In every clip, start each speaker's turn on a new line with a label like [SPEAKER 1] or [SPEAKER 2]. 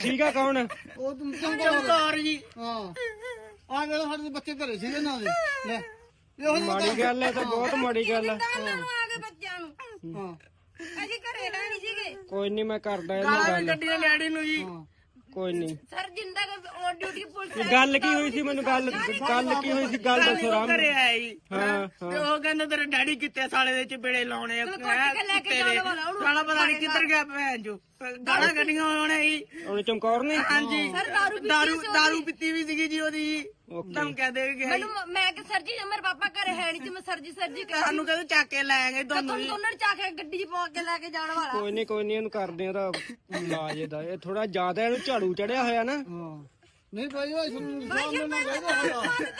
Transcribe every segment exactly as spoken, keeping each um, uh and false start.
[SPEAKER 1] ਠੀਕ ਆ ਕੌਣ?
[SPEAKER 2] ਉਹ ਤੁਮ ਚਮਕੌਰ ਜੀ। ਹਾਂ ਆ ਵੇਲੇ ਸਾਡੇ ਬੱਚੇ ਘਰੇ ਸੀਗੇ ਨਾ ਦੇ ਲੈ ਇਹੋ ਜਿਹੀ
[SPEAKER 1] ਮਾੜੀ ਗੱਲ ਹੈ ਤਾਂ ਬਹੁਤ ਮਾੜੀ ਗੱਲ ਹੈ।
[SPEAKER 3] ਬੱਚਿਆਂ ਨੂੰ
[SPEAKER 2] ਹਾਂ
[SPEAKER 3] ਅਸੀਂ ਘਰੇ ਹੈ ਨਹੀਂ ਸੀਗੇ।
[SPEAKER 1] ਕੋਈ ਨਹੀਂ ਮੈਂ ਕਰਦਾ ਇਹਨਾਂ ਗੱਲ।
[SPEAKER 2] ਗੱਡੀਆਂ ਲੈਣੀ ਨੂੰ ਜੀ।
[SPEAKER 1] ਕੋਈ ਨਹੀਂ।
[SPEAKER 3] ਸਰ ਜਿੰਦਾ ਔਨ ਡਿਊਟੀ ਪੁਲਿਸ
[SPEAKER 1] ਗੱਲ ਕੀ ਹੋਈ ਸੀ ਮੈਨੂੰ ਗੱਲ ਗੱਲ ਕੀ ਹੋਈ ਸੀ ਗੱਲ ਦੱਸੋ ਰਾਮ।
[SPEAKER 2] ਘਰੇ ਆਇਆ ਜੀ
[SPEAKER 1] ਹਾਂ
[SPEAKER 2] ਤੇ ਉਹ ਕਹਿੰਦਾ ਤੇਰੇ ਡੈਡੀ ਕਿੱਥੇ ਸਾਲੇ ਦੇ ਚਿਬੜੇ ਲਾਉਣੇ ਆ ਸਾਲਾ ਪਤਾ ਨਹੀਂ ਕਿੱਧਰ ਗਿਆ ਭੈਣ ਜੋ ਗਾਲਾਂ ਗੱਡੀਆਂ ਆਉਣੇ ਜੀ।
[SPEAKER 1] ਉਹਨੇ ਚਮਕੌਰ ਨੇ
[SPEAKER 2] ਹਾਂਜੀ ਦਾਰੂ ਦਾਰੂ ਪੀਤੀ ਵੀ ਸੀਗੀ ਜੀ ਉਹਦੀ। ਤੁਮ ਕਹਿ ਦੇ ਗਿਆ
[SPEAKER 3] ਮੈਨੂੰ ਮੈਂ ਕਿ ਸਰ ਜੀ ਮੇਰੇ ਪਾਪਾ ਘਰੇ ਹੈ ਨਹੀਂ ਤੇ ਮੈਂ ਸਰ ਜੀ ਸਰ ਜੀ
[SPEAKER 2] ਸਾਨੂੰ ਕਹਿੰਦੇ ਚੱਕ ਕੇ ਲੈ ਆਏ ਦੋਨੋਂ ਜੀ।
[SPEAKER 3] ਦੋਨਾਂ ਚਾ ਕੇ ਗੱਡੀ 'ਚ ਪਾ ਕੇ ਲੈ ਕੇ ਜਾਣ ਵਾਲਾ।
[SPEAKER 1] ਕੋਈ ਨਹੀਂ ਕੋਈ ਨਹੀਂ ਇਹਨੂੰ ਕਰਦੇ ਆ ਤਾਂ ਇਲਾਜ ਇਹਦਾ। ਇਹ ਥੋੜਾ ਜ਼ਿਆਦਾ ਇਹਨੂੰ ਝਾੜੂ ਚੜਿਆ ਹੋਇਆ ਨਾ।
[SPEAKER 2] ਨਹੀਂ ਭਾਈ ਉਹ ਸਾਨੂੰ ਸਾਹਮਣੇ ਨਾ ਕਹਿੰਦਾ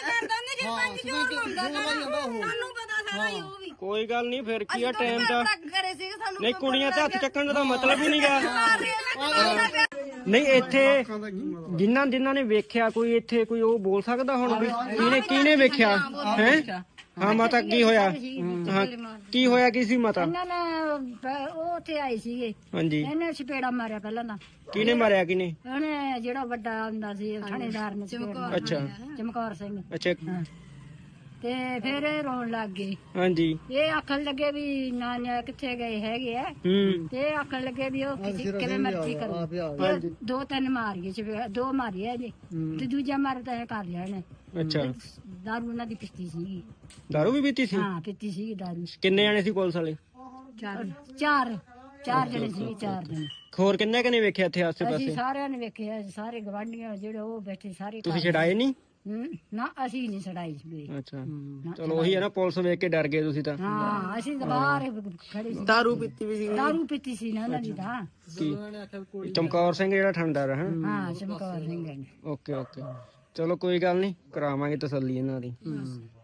[SPEAKER 3] ਸਾਨੂੰ ਪਤਾ ਸਾਰਾ ਹੀ ਉਹ ਵੀ।
[SPEAKER 1] ਕੋਈ ਗੱਲ ਨਹੀਂ ਫਿਰ ਕੀ ਆ ਟਾਈਮ ਦਾ।
[SPEAKER 3] ਘਰੇ ਸੀਗੇ ਸਾਨੂੰ
[SPEAKER 1] ਨਹੀਂ ਕੁੜੀਆਂ ਤੇ ਹੱਥ ਚੱਕਣ ਦਾ ਮਤਲਬ ਹੀ ਨਹੀਂ ਗਾ। ਨਹੀਂ ਇੱਥੇ ਜਿਨ੍ਹਾਂ ਜਿਨ੍ਹਾਂ ਨੇ ਵੇਖਿਆ ਕੋਈ ਇੱਥੇ ਕੋਈ ਉਹ ਬੋਲ ਸਕਦਾ ਹੁਣ ਵੀ ਕਿਹਨੇ ਕਿਹਨੇ ਵੇਖਿਆ ਹੈ? ਹਾਂ ਮਾਤਾ ਕੀ ਹੋਇਆ? ਹਾਂ ਕੀ ਹੋਇਆ ਕੀ ਸੀ ਮਾਤਾ?
[SPEAKER 4] ਇਹਨਾਂ ਨੇ ਉਹ ਉੱਥੇ ਆਏ ਸੀਗੇ।
[SPEAKER 1] ਹਾਂਜੀ
[SPEAKER 4] ਇਹਨੇ ਚਪੇੜਾ ਮਾਰਿਆ ਪਹਿਲਾਂ ਤਾਂ।
[SPEAKER 1] ਕਿਹਨੇ ਮਾਰਿਆ ਕਿਹਨੇ?
[SPEAKER 4] ਉਹਨੇ ਜਿਹੜਾ ਵੱਡਾ ਹੁੰਦਾ ਸੀ ਥਾਣੇਦਾਰ ਨੇ
[SPEAKER 1] ਅੱਛਾ
[SPEAKER 4] ਚਮਕੌਰ ਸਿੰਘ।
[SPEAKER 1] ਅੱਛਾ
[SPEAKER 4] ਤੇ ਫਿਰ ਇਹ ਰੋਣ ਲੱਗ ਗਏ।
[SPEAKER 1] ਹਾਂਜੀ
[SPEAKER 4] ਇਹ ਆਖਣ ਲੱਗੇ ਵੀ ਨਾ ਕਿੱਥੇ ਗਏ ਹੈਗੇ ਆ।
[SPEAKER 1] ਹੂੰ
[SPEAKER 4] ਤੇ ਆਖਣ ਲੱਗੇ ਵੀ ਉਹ ਕਿਸੇ ਕਿਵੇਂ ਮਰਜ਼ੀ ਕਰੇ। ਦੋ ਤਿੰਨ ਮਾਰੀਏ ਚਪੇੜਾ ਦੋ ਮਾਰੀਏ ਜੀ ਤੇ ਦੂਜਾ ਮਾਰ ਤਾਂ ਇਹ ਕਰ ਲਿਆ ਇਹਨੇ।
[SPEAKER 1] ਅੱਛਾ
[SPEAKER 4] ਦਾਰੂ ਉਹਨਾਂ ਦੀ ਪੀਤੀ ਸੀਗੀ।
[SPEAKER 1] ਦਾਰੂ ਵੀ ਪੀਤੀ ਸੀ?
[SPEAKER 4] ਹਾਂ ਪੀਤੀ ਸੀਗੀ ਦਾਰੂ।
[SPEAKER 1] ਕਿੰਨੇ ਜਾਣੇ ਸੀ ਪੁਲਿਸ ਵਾਲੇ?
[SPEAKER 4] ਚਾਰ ਚਾਰ ਚਾਰ ਜਣੇ ਸੀਗੇ ਚਾਰ ਜਣੇ।
[SPEAKER 1] ਹੋਰ ਕਿੰਨੇ ਕਨੇ ਵੇਖਿਆ ਇੱਥੇ ਆਸੇ
[SPEAKER 4] ਅਸੀਂ
[SPEAKER 1] ਪਾਸੇ?
[SPEAKER 4] ਸਾਰਿਆਂ ਨੇ ਵੇਖਿਆ ਸਾਰੇ ਗਵਾਂਢੀਆਂ ਜਿਹੜੇ ਉਹ ਬੈਠੇ ਸਾਰੇ।
[SPEAKER 1] ਤੁਸੀਂ ਛਡਾਏ ਨਹੀਂ?
[SPEAKER 4] ਹੂੰ ਨਾ ਅਸੀਂ ਨਹੀਂ ਛਡਾਈ ਸੀ।
[SPEAKER 1] ਅੱਛਾ ਚਲੋ ਉਹੀ ਹੈ ਨਾ ਪੁਲਿਸ ਵੇਖ ਕੇ ਡਰ ਗਏ ਤੁਸੀਂ ਤਾਂ।
[SPEAKER 4] ਹਾਂ ਅਸੀਂ ਤਾਂ ਬਾਹਰ ਖੜੇ ਸੀ।
[SPEAKER 2] ਦਾਰੂ ਪੀਤੀ ਵੀ ਸੀ।
[SPEAKER 4] ਦਾਰੂ ਪੀਤੀ ਸੀ ਨਾ ਉਹਨਾਂ ਦੀ ਤਾਂ।
[SPEAKER 1] ਕੀ ਚਮਕੌਰ ਸਿੰਘ ਜਿਹੜਾ ਠੰਡਾਰ ਹੈ?
[SPEAKER 4] ਹਾਂ ਚਮਕੌਰ ਸਿੰਘ ਨੇ।
[SPEAKER 1] ਓਕੇ ਓਕੇ ਚਲੋ ਕੋਈ ਗੱਲ ਨਹੀਂ ਕਰਾਵਾਂਗੇ ਤਸੱਲੀ ਇਹਨਾਂ ਦੀ।